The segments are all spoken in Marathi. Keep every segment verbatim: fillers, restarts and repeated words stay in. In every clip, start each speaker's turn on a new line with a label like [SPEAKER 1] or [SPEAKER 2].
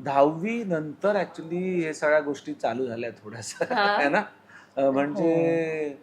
[SPEAKER 1] दहावी नंतर ऍक्च्युली हे सगळ्या गोष्टी चालू झाल्या थोड्याशा आहे ना. अं, म्हणजे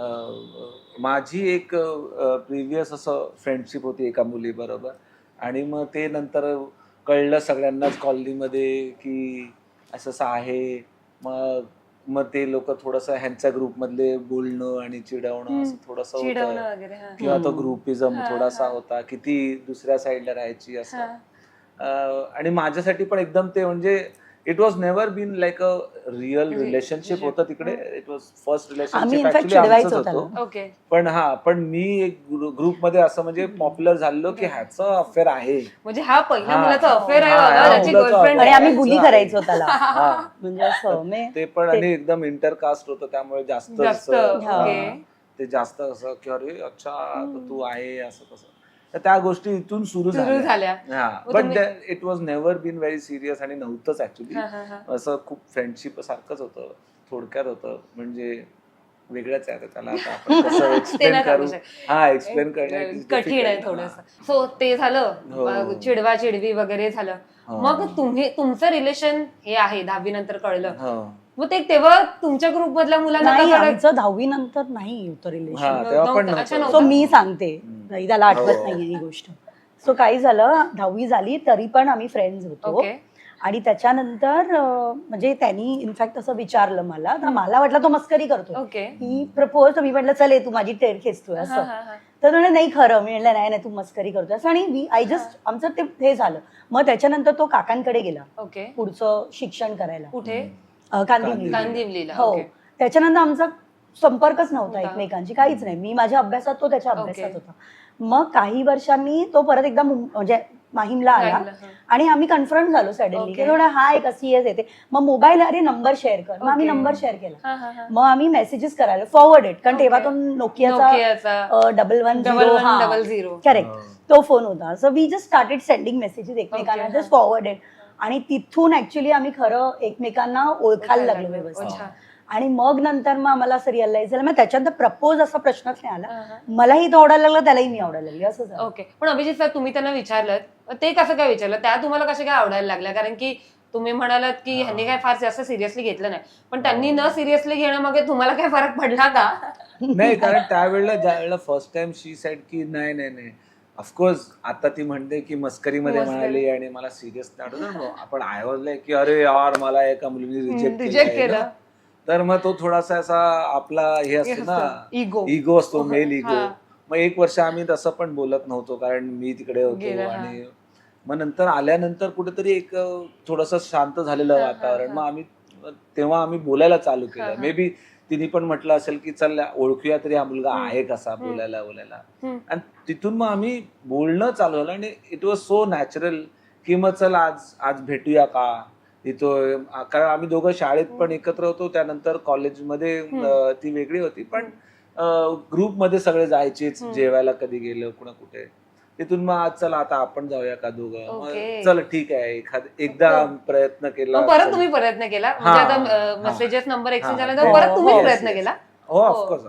[SPEAKER 1] अं, माझी एक प्रिव्हियस असं फ्रेंडशिप होती एका मुलीबरोबर आणि मग ते नंतर कळलं सगळ्यांनाच कॉलनीमध्ये की असं असं आहे. मग मग ते लोक थोडंसं ह्यांच्या ग्रुपमधले बोलणं आणि चिडवणं असं थोडंसं होतं
[SPEAKER 2] चिडवणं वगैरे हा.
[SPEAKER 1] किंवा तो
[SPEAKER 3] हम्म.
[SPEAKER 1] ग्रुपिझम
[SPEAKER 2] हा,
[SPEAKER 1] थोडासा
[SPEAKER 2] हा.
[SPEAKER 1] होता की ती दुसऱ्या साईडला राहायची असं.
[SPEAKER 2] हा.
[SPEAKER 1] अं, आणि माझ्यासाठी पण एकदम ते म्हणजे it was never been like a real
[SPEAKER 2] Re-
[SPEAKER 1] relationship होतं तिकडे. इट वॉज फर्स्ट
[SPEAKER 3] आम्ही
[SPEAKER 1] रिलेशनशिप
[SPEAKER 3] इनफॅक्ट
[SPEAKER 1] ऍक्च्युली आमचंच
[SPEAKER 3] चिडवायचो
[SPEAKER 1] होतं.
[SPEAKER 3] त्याला.
[SPEAKER 2] ओके.
[SPEAKER 1] पण हा पण मी एक ग्रुपमध्ये असं म्हणजे पॉप्युलर झालो की ह्याचं अफेअर आहे.
[SPEAKER 2] म्हणजे हा पहिला
[SPEAKER 1] हा.
[SPEAKER 2] मुलाचा अफेअर आहे
[SPEAKER 1] हा,
[SPEAKER 2] बाबा,
[SPEAKER 1] हा,
[SPEAKER 2] त्याची
[SPEAKER 1] मुलाचा
[SPEAKER 2] गर्लफ्रेंड
[SPEAKER 3] आणि
[SPEAKER 1] affair
[SPEAKER 3] आम्ही
[SPEAKER 1] आहे.
[SPEAKER 3] बुली करायचो त्याला.
[SPEAKER 1] हा.
[SPEAKER 3] म्हणजे असं मे-
[SPEAKER 1] ते पण
[SPEAKER 3] ते-
[SPEAKER 1] आणि एकदम इंटरकास्ट होतं त्यामुळे जास्त
[SPEAKER 2] जास्त,
[SPEAKER 1] असं,
[SPEAKER 3] हा.
[SPEAKER 2] ओके.
[SPEAKER 1] हा, ते जास्त असं की अरे अच्छा तर तू आहे असं तसं. तर त्या गोष्टी इथून सुरू
[SPEAKER 2] सुरू
[SPEAKER 1] झाल्या.
[SPEAKER 2] झाल्या. मग
[SPEAKER 1] बट
[SPEAKER 2] तुम्ही-
[SPEAKER 1] it was never been very serious आणि नव्हतंच ऍक्च्युली.
[SPEAKER 2] हा, हा, हा.
[SPEAKER 1] असं खूप फ्रेंडशिप सारखंच होतं, थोडक्यात होतं. म्हणजे वेगळंच आहे आता त्याला आता आपण कसं
[SPEAKER 2] ते
[SPEAKER 1] एक्सप्लेन
[SPEAKER 2] नाही
[SPEAKER 1] करू.
[SPEAKER 2] सांगू
[SPEAKER 1] हा एक्सप्लेन करणं
[SPEAKER 2] कठीण आहे थोडस. सो ते झालं,
[SPEAKER 1] हो.
[SPEAKER 2] मग चिडवा चिडवी वगैरे झालं.
[SPEAKER 1] हो.
[SPEAKER 2] मग तुम्ही तुमचं रिलेशन हे आहे दहावी नंतर कळलं.
[SPEAKER 1] हो.
[SPEAKER 2] मग ते तेव्हा तुमच्या ग्रुप मधल्या मुलांना
[SPEAKER 3] नाही
[SPEAKER 2] का कळलं?
[SPEAKER 3] आमचं दहावी नंतर नाही होतं
[SPEAKER 1] हा
[SPEAKER 3] रिलेशन.
[SPEAKER 1] तेव्हा पण
[SPEAKER 2] नव्हतं. अच्छा,
[SPEAKER 1] नव्हतं.
[SPEAKER 3] सो
[SPEAKER 2] नव्हतं.
[SPEAKER 3] मी सांगते नाही, त्याला आठवत
[SPEAKER 1] हो.
[SPEAKER 3] नाहीये ही गोष्ट. सो काय झालं, दहावी झाली तरी पण आम्ही फ्रेंड्स होतो.
[SPEAKER 2] ओके.
[SPEAKER 3] आणि त्याच्यानंतर अं, म्हणजे त्यांनी इनफॅक्ट असं विचारलं मला, तर मला वाटलं तो मस्करी करतो.
[SPEAKER 2] ओके.
[SPEAKER 3] ही प्रपोज, तर मी म्हटलं चल ये तू माझी टेर खेचतोय
[SPEAKER 2] हा,
[SPEAKER 3] असं.
[SPEAKER 2] हा, हा.
[SPEAKER 3] तर म्हणे नाही खरं. मी म्हटलं नाही नाही तू मस्करी करतोय असं. आणि आय जस्ट आमचं ते हे झालं. मग त्याच्यानंतर तो काकांकडे गेला
[SPEAKER 2] ओके.
[SPEAKER 3] पुढचं शिक्षण करायला
[SPEAKER 2] कुठे?
[SPEAKER 3] अं, कांदिवली.
[SPEAKER 2] कांदिवलीला.
[SPEAKER 3] हो.
[SPEAKER 2] ओके.
[SPEAKER 3] त्याच्यानंतर आमचा संपर्कच नव्हता
[SPEAKER 2] नव्हता.
[SPEAKER 3] एकमेकांची, काहीच नाही. मी माझ्या अभ्यासात, तो त्याच्या
[SPEAKER 2] ओके.
[SPEAKER 3] अभ्यासात होता. मग काही वर्षांनी तो परत एकदा मुं- म्हणजे माहीमला आला
[SPEAKER 2] राहिलं, हा.
[SPEAKER 3] आणि आम्ही कन्फरंट झालो सडनली की
[SPEAKER 2] ओके.
[SPEAKER 3] थोडं हा एक अशी येते. मग मोबाईल, अरे नंबर शेअर कर. मग आम्ही
[SPEAKER 2] ओके.
[SPEAKER 3] नंबर शेअर केला.
[SPEAKER 2] हा, हा, हा.
[SPEAKER 3] मग आम्ही मेसेजेस करायला फॉरवर्डेड, कारण
[SPEAKER 2] ओके.
[SPEAKER 3] तेव्हा तो नोकियाचा
[SPEAKER 2] नोकियाचा
[SPEAKER 3] double one
[SPEAKER 2] double one double zero.
[SPEAKER 3] Correct,
[SPEAKER 1] हो.
[SPEAKER 3] तो फोन होता. So we just started sending messages एकमेकांना,
[SPEAKER 2] ओके,
[SPEAKER 3] जस्ट फॉरवर्डेड. आणि तिथून ऍक्च्युली आम्ही खरं एकमेकांना ओळखायला लागलो व्यवस्थित.
[SPEAKER 2] अच्छा.
[SPEAKER 3] आणि मग नंतर मग आम्हाला असं रिअलाइज झालं. मग त्याच्यानंतर प्रपोज असा प्रश्नच नाही आला.
[SPEAKER 2] हा, हा.
[SPEAKER 3] मलाही तो आवडायला लागला, त्यालाही मी आवडायला लागली, असं झालं.
[SPEAKER 2] ओके. पण अभिजित सर, तुम्ही त्यांना विचारलं ते कसं काय विचारलं? त्या तुम्हाला कशा काय आवडायला लागल्या? कारण की तुम्ही म्हणालात की ह्यांनी काय फार जास्त सिरियसली घेतलं नाही, पण त्यांनी न सिरियसली घेणं मग तुम्हाला काय फरक पडला का?
[SPEAKER 1] नाही, कारण त्यावेळेला ज्यावेळेला फर्स्ट टाइम शी सेड की नाही नाही नाही ऑफकोर्स. आता ती म्हणते की मस्करीमध्ये
[SPEAKER 2] मस्करी.
[SPEAKER 1] म्हणाली आणि मला सिरियस नाही. आपण आय वॉज लाईक की अरे यार मला एका मुलीने रिजेक्ट
[SPEAKER 2] रिजेक्ट केलं.
[SPEAKER 1] तर मग तो थोडासा असा आपला हे असतो ना,
[SPEAKER 2] इगो.
[SPEAKER 1] इगो असतो, मेल इगो.
[SPEAKER 2] हा.
[SPEAKER 1] मग एक वर्ष आम्ही तसं पण बोलत नव्हतो कारण मी तिकडे
[SPEAKER 2] गेलं,
[SPEAKER 1] होतो.
[SPEAKER 2] हा.
[SPEAKER 1] आणि मग नंतर आल्यानंतर कुठेतरी एक थोडस शांत झालेलं
[SPEAKER 2] हा, हा,
[SPEAKER 1] वातावरण.
[SPEAKER 2] हा.
[SPEAKER 1] मग आम्ही तेव्हा आम्ही बोलायला चालू
[SPEAKER 2] हा,
[SPEAKER 1] केलं.
[SPEAKER 2] हा.
[SPEAKER 1] मे बी तिने पण म्हटलं असेल की चल ओळखूया तरी हा मुलगा
[SPEAKER 2] हम्म.
[SPEAKER 1] आहे कसा
[SPEAKER 2] हम्म.
[SPEAKER 1] बोलायला बोलायला.
[SPEAKER 2] हम्म.
[SPEAKER 1] आणि तिथून मग आम्ही बोलणं चालू झालं आणि इट वॉज सो नॅचरल की मग चल आज आज भेटूया का तिथं. कारण आम्ही दोघं शाळेत पण एकत्र होतो, त्यानंतर कॉलेजमध्ये अं, ती वेगळी होती, पण ग्रुपमध्ये सगळे जायचेच
[SPEAKER 2] हम्म.
[SPEAKER 1] जेवायला कधी गेलं कुणा कुठे. तिथून मग आज चला आता आपण जाऊया का दोघं. मग
[SPEAKER 2] ओके.
[SPEAKER 1] चल ठीक आहे, एखाद एकदा प्रयत्न केला.
[SPEAKER 2] मग परत
[SPEAKER 1] चल.
[SPEAKER 2] तुम्ही प्रयत्न केला
[SPEAKER 1] हा.
[SPEAKER 2] म्हणजे आता
[SPEAKER 1] हा.
[SPEAKER 2] मेसेजेस नंबर एक्सचेंज
[SPEAKER 1] हा.
[SPEAKER 2] झाला तर
[SPEAKER 3] हो,
[SPEAKER 2] परत तुम्हीच
[SPEAKER 3] हो.
[SPEAKER 2] प्रयत्न
[SPEAKER 1] Yes, yes.
[SPEAKER 2] केला?
[SPEAKER 1] हो ऑफकोर्स.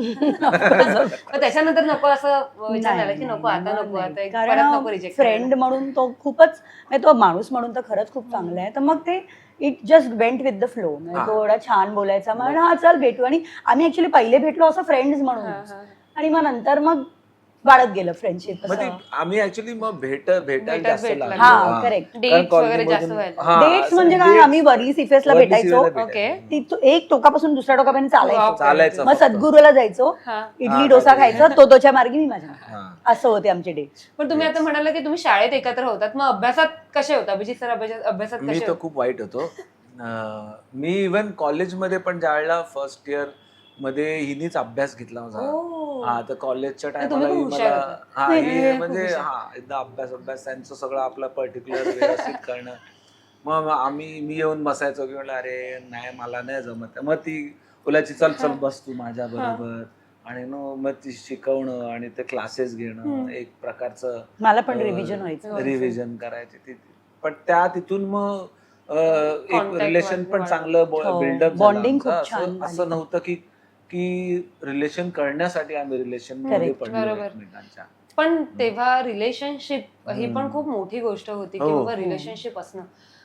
[SPEAKER 2] मग त्याच्यानंतर नको असं विचार झाला की
[SPEAKER 3] नाही,
[SPEAKER 2] नको आता
[SPEAKER 3] नाही,
[SPEAKER 2] नको आता एक
[SPEAKER 3] कारण
[SPEAKER 2] परत नको रिजेक्ट
[SPEAKER 3] फ्रेंड म्हणून तो खूपच म्हणजे तो माणूस म्हणून तर खरंच खूप चांगला आहे. तर मग ते it just went with the flow.
[SPEAKER 1] हा.
[SPEAKER 3] तो एवढा छान बोलायचा, मग हा चल भेटू. आणि आम्ही ऍक्च्युली पहिले भेटलो असं फ्रेंड्स म्हणून, आणि मग नंतर मग वाढत गेलं फ्रेंडशिप.
[SPEAKER 1] मग ती आम्ही ऍक्च्युली मग भेट भेटायला
[SPEAKER 2] भेटत
[SPEAKER 1] जास्त
[SPEAKER 2] भेटला.
[SPEAKER 1] लागलो.
[SPEAKER 3] हा,
[SPEAKER 1] हा.
[SPEAKER 3] correct.
[SPEAKER 1] कारण
[SPEAKER 2] Dates वगैरे
[SPEAKER 1] कॉलनीमधून-
[SPEAKER 2] जास्त व्हायला.
[SPEAKER 1] हा,
[SPEAKER 3] डेट्स
[SPEAKER 1] असं
[SPEAKER 3] म्हणजे काय,
[SPEAKER 1] dates-
[SPEAKER 3] आम्ही वर्ली सिफेसला
[SPEAKER 1] वर्ली
[SPEAKER 3] भेटायचो.
[SPEAKER 1] सिफेसला
[SPEAKER 2] ओके.
[SPEAKER 1] भेटायचो.
[SPEAKER 3] ती तो- एक टोकापासून दुसऱ्या टोकापर्यंत चालायचो.
[SPEAKER 1] चालायचं
[SPEAKER 3] मग
[SPEAKER 1] फक्त.
[SPEAKER 3] सद्गुरूला जायचो,
[SPEAKER 2] हा.
[SPEAKER 3] इडली
[SPEAKER 1] हा,
[SPEAKER 3] डोसा
[SPEAKER 1] काहीतरी.
[SPEAKER 3] खायचा, तो तोच्या मार्गी मी माझ्या मार्गी.
[SPEAKER 1] हा.
[SPEAKER 3] असं होते आमचे डेट्स.
[SPEAKER 2] पण तुम्ही आता म्हणाला की तुम्ही शाळेत एकत्र होतात, मग अभ्यासात कसे होता अभिजित सर? अभ्यासात अभ्यासात
[SPEAKER 1] मी
[SPEAKER 2] कसे
[SPEAKER 1] तर
[SPEAKER 2] होते?
[SPEAKER 1] खूप वाईट होतो. अं, मी इव्हन कॉलेजमध्ये पण ज्यावेळेला फर्स्ट इयर मध्ये हिनीच अभ्यास घेतला माझा.
[SPEAKER 2] ओ.
[SPEAKER 1] हा, तर कॉलेजच्या
[SPEAKER 2] तर तुम्ही
[SPEAKER 1] टायमाला
[SPEAKER 2] खूप हुशार
[SPEAKER 1] मला
[SPEAKER 2] होता.
[SPEAKER 1] हा
[SPEAKER 3] नाही,
[SPEAKER 1] ही
[SPEAKER 3] नाही,
[SPEAKER 1] म्हणजे
[SPEAKER 2] हुशार.
[SPEAKER 1] हा एकदा अभ्यास अभ्यास त्यांचं सगळं आपलं पर्टिक्युलर व्यवस्थित करणं. मग आम्ही मी येऊन बसायचो की म्हटलं अरे नाही मला नाही जमत. मग ती बोलायची चल चल बस तू माझ्या बरोबर. आणि मग ती शिकवणं आणि ते क्लासेस घेणं एक प्रकारचं
[SPEAKER 3] मला पण रिव्हिजन व्हायचं.
[SPEAKER 1] रिव्हिजन करायची ती. पण त्या तिथून मग अं, एक
[SPEAKER 2] Contact
[SPEAKER 1] रिलेशन
[SPEAKER 2] वाढलं,
[SPEAKER 1] पण
[SPEAKER 2] वाढलं.
[SPEAKER 1] चांगलं
[SPEAKER 3] हो,
[SPEAKER 1] बिल्डअप
[SPEAKER 3] bonding खूप छान
[SPEAKER 1] असं
[SPEAKER 3] झाली.
[SPEAKER 1] असं नव्हतं की की रिलेशन करण्यासाठी आम्ही रिलेशन मध्ये
[SPEAKER 3] Correct.
[SPEAKER 1] पडलो
[SPEAKER 2] बरोबर.
[SPEAKER 1] एकमेकांच्या.
[SPEAKER 2] पण तेव्हा रिलेशनशिप ही पण
[SPEAKER 1] हम्म.
[SPEAKER 2] खूप मोठी गोष्ट होती की
[SPEAKER 1] हो.
[SPEAKER 2] बाबा रिलेशनशिप असणं.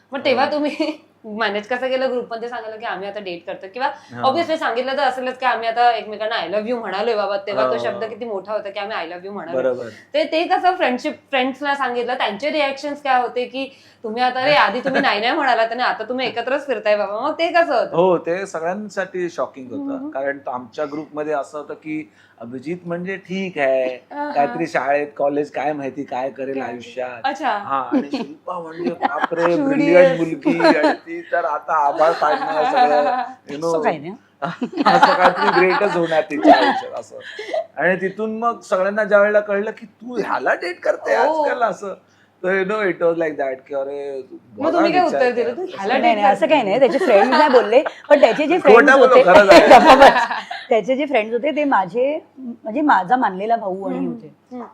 [SPEAKER 2] मग तेव्हा तुम्ही मॅनेज कसं केलं ग्रुपमध्ये सांगितलं की आम्ही आता डेट करतो किंवा
[SPEAKER 1] हा.
[SPEAKER 2] ऑब्व्हियसली सांगितलं तर असेलच की आम्ही आता एकमेकांना आय लव्ह यू म्हणालोय बाबा, तेव्हा तो
[SPEAKER 1] हो.
[SPEAKER 2] शब्द किती मोठा होता की आम्ही आय लव्ह यू म्हणालो.
[SPEAKER 1] बरोबर.
[SPEAKER 2] ते ते कसं फ्रेंडशिप फ्रेंड्सला सांगितलं, त्यांचे रिॲक्शन काय होते की तुम्ही आता रे आधी तुम्ही नाही नाही म्हणालात आणि आता तुम्ही एकत्रच फिरताय बाबा, मग ते कसं होतं?
[SPEAKER 1] हो, ते सगळ्यांसाठी शॉकिंग होतं. कारण आमच्या ग्रुपमध्ये असं होतं की अभिजित म्हणजे ठीक आहे, काहीतरी शाळेत कॉलेज काय माहिती काय करेल आयुष्यात.
[SPEAKER 2] अच्छा.
[SPEAKER 1] हा, आणि शिल्पा म्हणजे बापरे ब्रिलियंट मुलगी, आणि ती तर आता आभाळ काढणार सगळं, यु नो
[SPEAKER 3] असं काही नाही.
[SPEAKER 1] असं काहीतरी ग्रेटच होणार तिच्या आयुष्यात असं. आणि तिथून मग सगळ्यांना ज्या वेळेला कळलं की तू ह्याला डेट करते आजकाल असं, तर you know it was like that की अरे
[SPEAKER 2] मग तुम्ही काय उत्तर दिलं? तू ह्याला
[SPEAKER 3] नाही नाही असं काही नाही, त्याचे फ्रेंड नाही बोलले, पण त्याचे जे
[SPEAKER 1] खोटं
[SPEAKER 3] फ्रेंड्स
[SPEAKER 1] बोललो,
[SPEAKER 3] होते
[SPEAKER 1] खरं झालं.
[SPEAKER 3] त्याचे जे फ्रेंड्स होते ते माझे म्हणजे माझा मानलेला भाऊ आणि होते.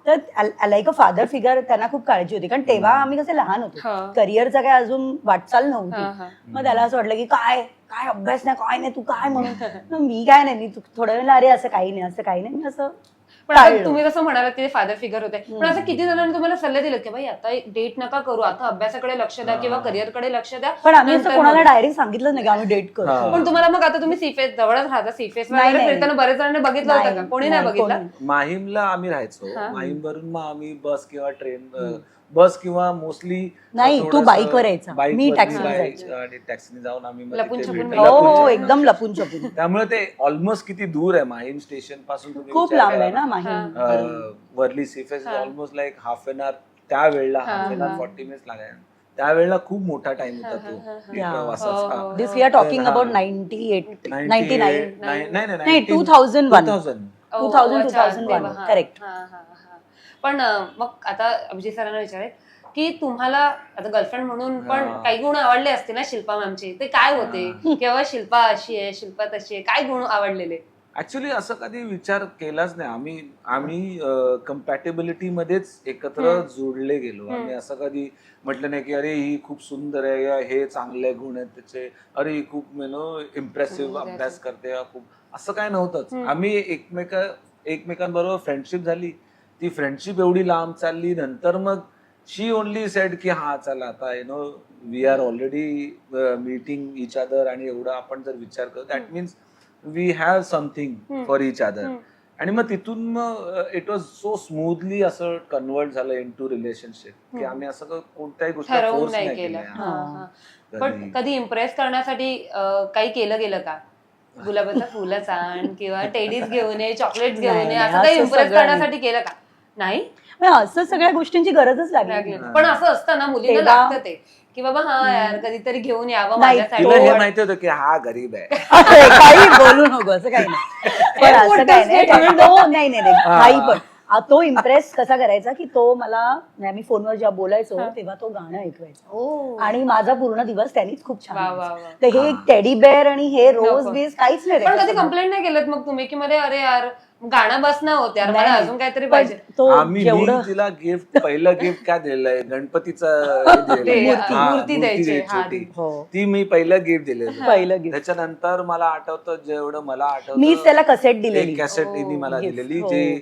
[SPEAKER 3] तर लाईक अ फादर फिगर त्यांना खूप काळजी होती, कारण तेव्हा आम्ही कसे लहान होतो,
[SPEAKER 2] हा.
[SPEAKER 3] करिअरचा काय अजून वाटचाल
[SPEAKER 2] हा,
[SPEAKER 3] नव्हती.
[SPEAKER 2] हा.
[SPEAKER 3] मग त्याला असं वाटलं की काय काय अभ्यास नाही काय नाही तू काय म्हणून, मग मी काय नाही, मी थोड्या वेळेला अरे असं काही नाही असं काही नाही, मी असं
[SPEAKER 2] पण आता
[SPEAKER 3] टाळलं.
[SPEAKER 2] तुम्ही जसं म्हणालात ते फादर फिगर होते, पण असं किती जणांनी तुम्हाला सल्ले दिले की बाई आता डेट नका करू, आता अभ्यासाकडे लक्ष द्या किंवा करिअरकडे लक्ष द्या?
[SPEAKER 3] पण आम्ही असं
[SPEAKER 2] नंतर
[SPEAKER 3] कोणाला
[SPEAKER 2] मग-
[SPEAKER 3] डायरेक्ट सांगितलं नाही की आम्ही डेट करू.
[SPEAKER 1] हा.
[SPEAKER 2] पण तुम्हाला मग आता तुम्ही सीफेस जवळच राहता, सीफेस
[SPEAKER 3] नाही,
[SPEAKER 2] वगैरे
[SPEAKER 3] नाही.
[SPEAKER 2] फिरताना बरेच जणांनी बघितलं होतं का? कोणी नाही बघितलं?
[SPEAKER 3] कोणी.
[SPEAKER 1] माहीमला आम्ही राहायचो,
[SPEAKER 2] हा.
[SPEAKER 1] माहीम वरून मग आम्ही बस किंवा ट्रेन, बस किंवा मोस्टली
[SPEAKER 3] नाही, तू बाईकवर यायचा. मी टॅक्सीने
[SPEAKER 1] जायचो
[SPEAKER 3] जायचो.
[SPEAKER 1] आणि टॅक्सीने जाऊन आम्ही मग
[SPEAKER 2] लपून
[SPEAKER 1] तिथे
[SPEAKER 2] छपून
[SPEAKER 1] भेटलो.
[SPEAKER 3] हो
[SPEAKER 1] लपून
[SPEAKER 3] हो
[SPEAKER 1] छपून.
[SPEAKER 3] एकदम लपून छपून.
[SPEAKER 1] त्यामुळे ते ऑलमोस्ट किती दूर आहे माहीम स्टेशन पासून, तुम्ही
[SPEAKER 3] खूप
[SPEAKER 1] विचार
[SPEAKER 3] लांब आहे
[SPEAKER 1] करा
[SPEAKER 3] ना माहीम.
[SPEAKER 1] अं, Worli sea face almost like half an hour, त्यावेळेला half an hour forty minutes लागायला. त्यावेळेला खूप मोठा टाइम होता तो
[SPEAKER 3] Yeah.
[SPEAKER 2] हो,
[SPEAKER 1] प्रवासाचा.
[SPEAKER 3] This we are talking about ninety eight ninety nine
[SPEAKER 1] नाही नाही
[SPEAKER 3] नाही two thousand one
[SPEAKER 1] thousand
[SPEAKER 3] two thousand two
[SPEAKER 2] अच्छा,
[SPEAKER 3] थाउजंड वन
[SPEAKER 2] तेव्हा, हा.
[SPEAKER 3] करेक्ट.
[SPEAKER 2] हा, हा, हा. पण अं, मग आता अभिजित सरांना विचारेल की तुम्हाला आता गर्लफ्रेंड म्हणून पण
[SPEAKER 1] हा.
[SPEAKER 2] काही गुण आवडले असते ना शिल्पा मॅमचे, ते काय होते? किंवा शिल्पा अशी आहे, शिल्पा तशी आहे, काय गुण आवडलेले?
[SPEAKER 1] ऍक्च्युली असं कधी विचार केलाच नाही आम्ही. आम्ही कम्पॅटेबिलिटी मध्येच एकत्र जोडले गेलो. आम्ही असं कधी म्हटलं नाही की अरे ही खूप सुंदर आहे या हे चांगले गुण आहेत त्याचे, अरे ही खूप यु नो इम्प्रेसिव्ह अभ्यास करते या खूप, असं काय नव्हतंच. आम्ही एकमेका एकमेकांबरोबर फ्रेंडशिप झाली, ती फ्रेंडशिप एवढी लांब चालली, नंतर मग शी ओनली सेड की हा चला आता you know we are already meeting each other, आणि एवढं आपण जर विचार करतो that means we have something for each other. आणि मग तिथून मग इट वॉज सो स्मूथली असं कन्वर्ट झालं इन टू रिलेशनशिप की आम्ही असं क- कोणत्याही गोष्टी
[SPEAKER 2] ठरवून
[SPEAKER 1] फोर्स
[SPEAKER 2] नाही
[SPEAKER 1] नाही
[SPEAKER 2] केलं.
[SPEAKER 1] केल्या.
[SPEAKER 2] हा, हा.
[SPEAKER 1] कधी.
[SPEAKER 2] पण कधी इम्प्रेस करण्यासाठी अं, काही केलं गेलं का? गुलाबाचं फुलच आण किंवा टेडीज घेऊन ये, चॉकलेट घेऊन
[SPEAKER 3] नाही,
[SPEAKER 2] ये,
[SPEAKER 3] नाही,
[SPEAKER 2] असं काही
[SPEAKER 3] असं
[SPEAKER 2] इम्प्रेस
[SPEAKER 3] सगळं
[SPEAKER 2] करण्यासाठी केलं का? नाही
[SPEAKER 3] म्हणजे असं सगळ्या गोष्टींची गरजच लागली
[SPEAKER 2] लागले.
[SPEAKER 3] नाही.
[SPEAKER 2] पण असं असतं ना, मुलीला
[SPEAKER 3] तेव्हा-
[SPEAKER 2] लागतं ते की बाबा हा यार कधीतरी घेऊन यावं
[SPEAKER 3] नाही,
[SPEAKER 2] माझ्यासाठी.
[SPEAKER 1] तिला हे
[SPEAKER 3] तो-
[SPEAKER 1] माहिती होतं की हा गरीब आहे.
[SPEAKER 3] असं काही बोलू नको असं काही नाही. पण असं
[SPEAKER 2] मोठं
[SPEAKER 3] काही नाही,
[SPEAKER 2] statement.
[SPEAKER 3] पण तो नाही नाही नाही
[SPEAKER 1] हा.
[SPEAKER 3] काही पण आ, तो इम्प्रेस कसा करायचा की तो मला म्हणजे आम्ही फोनवर जेव्हा बोलायचो तेव्हा तो गाणं ऐकवायचा,
[SPEAKER 2] ओ.
[SPEAKER 3] आणि माझा पूर्ण दिवस त्यांनीच खूप छान
[SPEAKER 2] वा, वा,
[SPEAKER 3] व्हायचा.
[SPEAKER 2] वा.
[SPEAKER 3] तर हे टेडी बेअर आणि हे रोज
[SPEAKER 2] नको.
[SPEAKER 3] बीज काहीच नाही
[SPEAKER 2] पण कधी
[SPEAKER 3] त्याच्यासमोर.
[SPEAKER 2] कंप्लेंट नाही केलं मग तुम्ही की मध्ये अरे यार गाणं बस ना होत यार, मला
[SPEAKER 3] नाही.
[SPEAKER 2] अजून काहीतरी
[SPEAKER 3] पण
[SPEAKER 2] पाहिजे?
[SPEAKER 3] तो
[SPEAKER 1] आम्ही
[SPEAKER 3] जेवढं
[SPEAKER 1] मी तिला गिफ्ट पहिलं गिफ्ट काय दिलेलं गणपतीचं हे दिलेलं
[SPEAKER 2] ते,
[SPEAKER 1] आहे.
[SPEAKER 2] मूर्ती-
[SPEAKER 1] हा,
[SPEAKER 2] मूर्ती द्यायची.
[SPEAKER 1] द्यायची
[SPEAKER 2] हा,
[SPEAKER 1] होती.
[SPEAKER 3] हो.
[SPEAKER 1] ती मी पहिलं गिफ्ट दिलेलं.
[SPEAKER 3] पहिलं गिफ्ट
[SPEAKER 1] त्याच्यानंतर मला आठवतं जेवढं मला आठवतं
[SPEAKER 3] मीच त्याला कसेट दिलेली.
[SPEAKER 1] एक कॅसेट तिने मला
[SPEAKER 3] Gift.
[SPEAKER 1] दिलेली
[SPEAKER 3] हो.
[SPEAKER 1] जी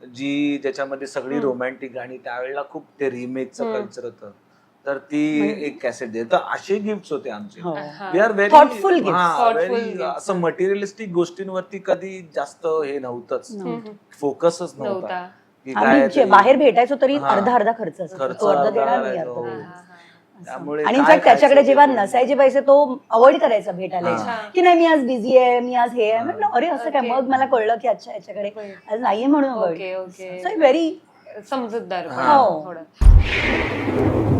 [SPEAKER 1] जी ज्याच्यामध्ये सगळी रोमॅन्टिक गाणी, त्यावेळेला खूप ते रिमेकचं कल्चर होतं, तर ती एक कॅसेट दिली. तर असे गिफ्ट होते आमचे.
[SPEAKER 3] हो.
[SPEAKER 1] We are very
[SPEAKER 3] Thoughtful gifts.
[SPEAKER 2] Thoughtful
[SPEAKER 1] very
[SPEAKER 2] gifts.
[SPEAKER 1] असं मटेरियलिस्टिक गोष्टींवरती कधी जास्त हे नव्हतंच, फोकसच नव्हता
[SPEAKER 2] नव्हता.
[SPEAKER 1] की काय
[SPEAKER 3] आम्ही जे
[SPEAKER 1] तरी
[SPEAKER 3] बाहेर भेटायचो तरी
[SPEAKER 1] हा.
[SPEAKER 3] अर्धा अर्धा खर्च असायचा.
[SPEAKER 1] खर्च
[SPEAKER 3] तो अर्धा
[SPEAKER 1] अर्धा
[SPEAKER 3] देणार मी
[SPEAKER 1] करायचो.
[SPEAKER 3] अर्धा
[SPEAKER 1] हो.
[SPEAKER 3] देणार.
[SPEAKER 1] त्यामुळे
[SPEAKER 3] आणि
[SPEAKER 1] काय
[SPEAKER 3] इनफॅक्ट त्याच्याकडे
[SPEAKER 1] खायचं
[SPEAKER 3] जेव्हा
[SPEAKER 1] ते पण.
[SPEAKER 3] नसायचे पैसे तो अवॉइड करायचा भेटायला
[SPEAKER 1] हा.
[SPEAKER 3] यायचा. की नाही मी आज बिझी आहे, मी आज हे आहे. म्हटलं अरे असं काय,
[SPEAKER 2] Okay.
[SPEAKER 3] मग मला कळलं की अच्छा याच्याकडे आज नाहीये म्हणून
[SPEAKER 2] ओके ओके
[SPEAKER 3] व्हेरी
[SPEAKER 2] समजूतदार
[SPEAKER 1] हा.
[SPEAKER 2] थोडं.